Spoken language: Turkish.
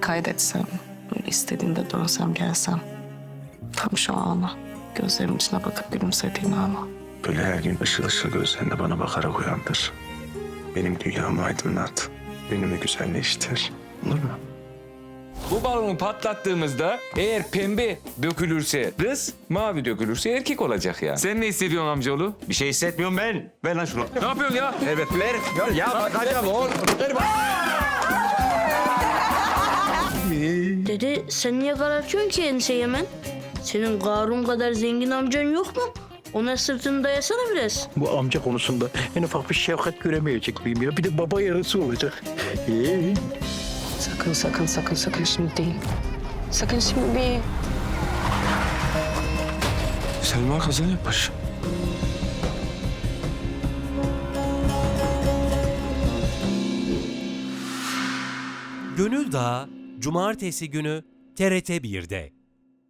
kaydetsem, böyle istediğinde dönsem gelsem. Tam şu ana, gözlerimin içine bakıp gülümsediğim ana. Böyle her gün ışıl ışıl gözlerinde bana bakarak uyandır. Benim dünyamı aydınlat. Günümü güzelleştir. Olur mu? Bu balonu patlattığımızda eğer pembe dökülürse kız, mavi dökülürse erkek olacak ya. Sen ne hissediyorsun amcaoğlu? Bir şey hissetmiyorum ben. Ver lan şunu. Ne yapıyorsun ya? Evet ver. Ya bakacağım oğlum. Ver bak. Dede sen niye karartıyorsun ki enseyi hemen? Senin Karun kadar zengin amcan yok mu? Ona sırtını dayasana biraz. Bu amca konusunda en ufak bir şefkat göremeyecek miyim ya? Bir de baba yarısı olacak. Sakın şimdi değil. Sakın şimdi değil. Selma kaza yapmış. Gönül Dağı Cumartesi günü TRT 1'de.